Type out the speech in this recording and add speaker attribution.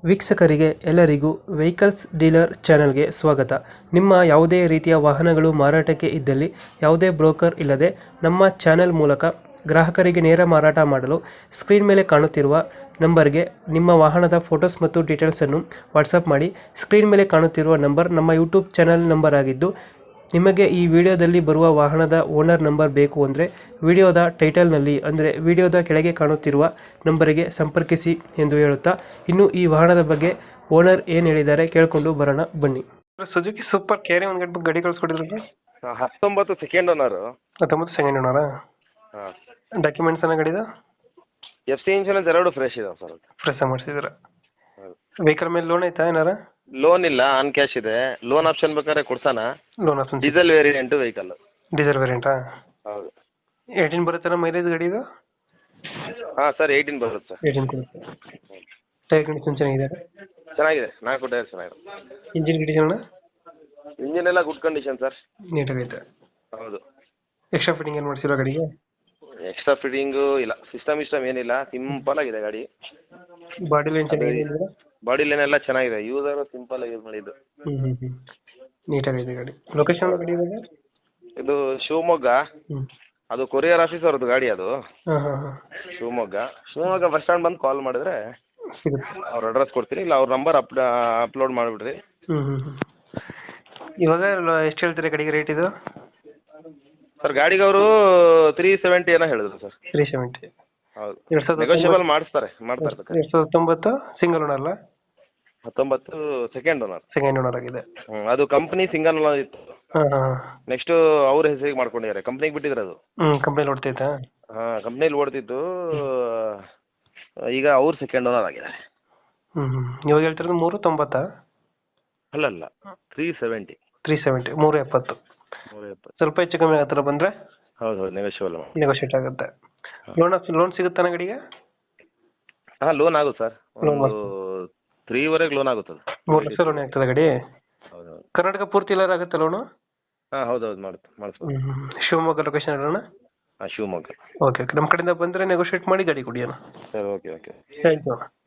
Speaker 1: ವೀಕ್ಷಕರಿಗೆ ಎಲ್ಲರಿಗೂ vehicles dealer ಚಾನೆಲ್ಗೆ ಸ್ವಾಗತ. ನಿಮ್ಮ ಯಾವುದೇ ರೀತಿಯ ವಾಹನಗಳು ಮಾರಾಟಕ್ಕೆ ಇದ್ದಲ್ಲಿ ಯಾವುದೇ ಬ್ರೋಕರ್ ಇಲ್ಲದೆ ನಮ್ಮ ಚಾನೆಲ್ ಮೂಲಕ ಗ್ರಾಹಕರಿಗೆ ನೇರ ಮಾರಾಟ ಮಾಡಲು ಸ್ಕ್ರೀನ್ ಮೇಲೆ ಕಾಣುತ್ತಿರುವ ನಂಬರ್ಗೆ ನಿಮ್ಮ ವಾಹನದ ಫೋಟೋಸ್ ಮತ್ತು ಡೀಟೇಲ್ಸನ್ನು ವಾಟ್ಸಪ್ ಮಾಡಿ. ಸ್ಕ್ರೀನ್ ಮೇಲೆ ಕಾಣುತ್ತಿರುವ ನಂಬರ್ ನಮ್ಮ ಯೂಟ್ಯೂಬ್ ಚಾನೆಲ್ ನಂಬರ್ ಆಗಿದ್ದು, ನಿಮಗೆ ಈ ವಿಡಿಯೋದಲ್ಲಿ ಬರುವ ವಾಹನದ ಓನರ್ ನಂಬರ್ ಬೇಕು ಅಂದರೆ ವಿಡಿಯೋದ ಟೈಟಲ್ನಲ್ಲಿ ಅಂದರೆ ವಿಡಿಯೋದ ಕೆಳಗೆ ಕಾಣುತ್ತಿರುವ ನಂಬರಿಗೆ ಸಂಪರ್ಕಿಸಿ ಎಂದು ಹೇಳುತ್ತಾ, ಇನ್ನು ಈ ವಾಹನದ ಬಗ್ಗೆ ಓನರ್ ಏನು ಹೇಳಿದ್ದಾರೆ ಕೇಳಿಕೊಂಡು ಬರೋಣ ಬನ್ನಿ. ಸುಜುಕಿ ಸೂಪರ್ ಕ್ಯಾರಿ ಒಂದು ಗಂಟೆ ಗಾಡಿ ಕಳಿಸ್ಕೊಟ್ಟಿದ್ರು.
Speaker 2: 19 ಸೆಕೆಂಡ್ ಓನರು.
Speaker 1: 19 ಸೆಕೆಂಡ್ ಓನರಾ?
Speaker 2: ಹಾಂ.
Speaker 1: ಡಾಕ್ಯುಮೆಂಟ್ಸ್ ಏನೋ ಗಾಡಿದ?
Speaker 2: FC ಇನ್ಶೂರೆನ್ಸ್ ಎರಡು ಫ್ರೆಶ್ ಇದಾವೆ ಸರ್.
Speaker 1: ಫ್ರೆಶ್ ಮಾಡಿಸಿದ್ರ? ವೆಹಿಕಲ್ ಮೇಲೆ ಲೋನ್ ಐತಾ ಏನಾರ?
Speaker 2: ಲೋನ್ ಇಲ್ಲ, ಆನ್ ಕ್ಯಾಶ್ ಇದೆ. ಲೋನ್ ಆಪ್ಷನ್ ಬೇಕಾದ್ರೆ ಕೊಡ್ಸಾನ.
Speaker 1: Loan option.
Speaker 2: Diesel variant vehicle.
Speaker 1: Diesel ವೇರಿಯಂಟಾ?
Speaker 2: ಹೌದು.
Speaker 1: 18 ಬರುತ್ತಲ್ಲ ಮೈಲೇಜ್ ಗಾಡಿದು?
Speaker 2: ಹಾಂ ಸರ್, 18 ಬರುತ್ತೆ ಸರ್.
Speaker 1: 18 ಕೊಡುತ್ತೆ. ಟೈರ್ ಕಂಡೀಷನ್ ಚೆನ್ನಾಗಿದೆ?
Speaker 2: ಚೆನ್ನಾಗಿದೆ, 4 ಟೈರ್ ಚೆನ್ನಾಗಿದೆ.
Speaker 1: Engine condition?
Speaker 2: ಇಂಜಿನ್ ಎಲ್ಲ ಗುಡ್ ಕಂಡೀಷನ್ ಸರ್.
Speaker 1: ನೀಟಾಗೈತೆ.
Speaker 2: ಹೌದು.
Speaker 1: ಎಕ್ಸ್ಟ್ರಾ ಫಿಟ್ಟಿಂಗ್ ಏನು ಮಾಡಿಸಿರೋ ಗಾಡಿಗೆ?
Speaker 2: ಎಕ್ಸ್ಟ್ರಾ ಫಿಟ್ಟಿಂಗು ಇಲ್ಲ, ಸಿಸ್ಟಮ್ ಏನಿಲ್ಲ, ಸಿಂಪಲ್ ಆಗಿದೆ ಗಾಡಿ.
Speaker 1: ಬಾಡಿ ಲೈನ್ ಚೆನ್ನಾಗಿದೆ?
Speaker 2: ಬಾಡಿ ಲೈನ್ ಎಲ್ಲ ಚೆನ್ನಾಗಿದೆ, ಯೂಸರ್ ಸಿಂಪಲ್ ಆಗಿ ಯೂಸ್ ಮಾಡಿದ್ದು.
Speaker 1: ನೀಟಾಗಿದೆ ಗಾಡಿ. ಲೊಕೇಶನ್ ಗಾಡಿ ಇವಾಗ?
Speaker 2: ಇದು ಶಿವಮೊಗ್ಗ. ಅದು ಕೊರಿಯರ್ ಆಫೀಸ್ ಅವ್ರದ್ದು ಗಾಡಿ ಅದು. ಶಿವಮೊಗ್ಗ ಬಸ್ ಸ್ಟ್ಯಾಂಡ್ ಬಂದು ಕಾಲ್ ಮಾಡಿದ್ರೆ ಅವ್ರ ಅಡ್ರೆಸ್ ಕೊಡ್ತೀನಿ, ಇಲ್ಲ ಅವ್ರ ನಂಬರ್ ಅಪ್ಲೋಡ್ ಮಾಡಿಬಿಡ್ರಿ.
Speaker 1: ಇವಾಗ ಎಷ್ಟು ಹೇಳ್ತೀರಾ ಗಾಡಿಗೆ ರೇಟ್ ಇದು?
Speaker 2: ಸರ್ ಗಾಡಿಗೆ ಅವರು 370 ಏನೋ ಹೇಳಿದ್ರು ಸರ್.
Speaker 1: 370.
Speaker 2: ಹೌದು. ನೆಗೋಷಿಯಬಲ್ ಮಾಡ್ತಾರೆ.
Speaker 1: 2019 ಸಿಂಗಲ್ ಓನರ್ ಅಲ್ಲ?
Speaker 2: 19 ಸೆಕೆಂಡ್ ಓನರ್.
Speaker 1: ಸೆಕೆಂಡ್ ಓನರ್ ಆಗಿದೆ.
Speaker 2: ಅದು ಕಂಪ್ನಿ ಸಿಂಗಲ್ ಓನರ್ ಇತ್ತು. ನೆಕ್ಸ್ಟ್ ಅವ್ರ ಹೆಸರಿಗೆ ಮಾಡ್ಕೊಂಡಿದ್ದಾರೆ, ಕಂಪ್ನಿಗೆ ಬಿಟ್ಟಿದ್ರು ಅದು.
Speaker 1: ಕಂಪ್ನಿ ಓಡ್ತೈತಾ?
Speaker 2: ಹಾಂ, ಕಂಪ್ನಿಲಿ ಓಡ್ತಿತ್ತು. ಈಗ ಅವ್ರು ಸೆಕೆಂಡ್ ಓನರ್ ಆಗಿದ್ದಾರೆ.
Speaker 1: ಇವಾಗ ಹೇಳ್ತಿರೋದು 390?
Speaker 2: ಅಲ್ಲ 370.
Speaker 1: 370, 370. ಸ್ವಲ್ಪ ಹೆಚ್ಚು ಕಮ್ಮಿ ಆಗತ್ತಲ್ಲ ಬಂದ್ರೆ?
Speaker 2: ಹೌದು,
Speaker 1: ನೆಗೋಷಿಯೇಟ್ ಆಗುತ್ತೆ. ಲೋನ್ ಸಿಗುತ್ತಾನ ಗಾಡಿಗೆ?
Speaker 2: ಹಾಂ, ಲೋನ್ ಆಗುತ್ತೆ ಸರ್. 3ವರೆಗೆ ಲೋನ್ ಆಗುತ್ತದೆ.
Speaker 1: 3 ಲಕ್ಷ ಲೋನ್ ಆಗ್ತದೆ ಗಾಡಿ?
Speaker 2: ಹೌದು.
Speaker 1: ಕರ್ನಾಟಕ ಪೂರ್ತಿ ಎಲ್ಲ ಆಗುತ್ತೆ ಲೋನು?
Speaker 2: ಹಾಂ ಹೌದೌದು, ಮಾಡಿಸ್ಬೋದು.
Speaker 1: ಶಿವಮೊಗ್ಗ ಲೊಕೇಶನ್ ಅಲ್ಲ?
Speaker 2: ಹಾಂ, ಶಿವಮೊಗ್ಗ.
Speaker 1: ಓಕೆ, ನಮ್ಮ ಕಡೆಯಿಂದ ಬಂದರೆ ನೆಗೋಷಿಯೇಟ್ ಮಾಡಿ ಗಾಡಿ ಕೊಡಿ ಅಣ್ಣ.
Speaker 2: Sir, okay.
Speaker 1: Thank you.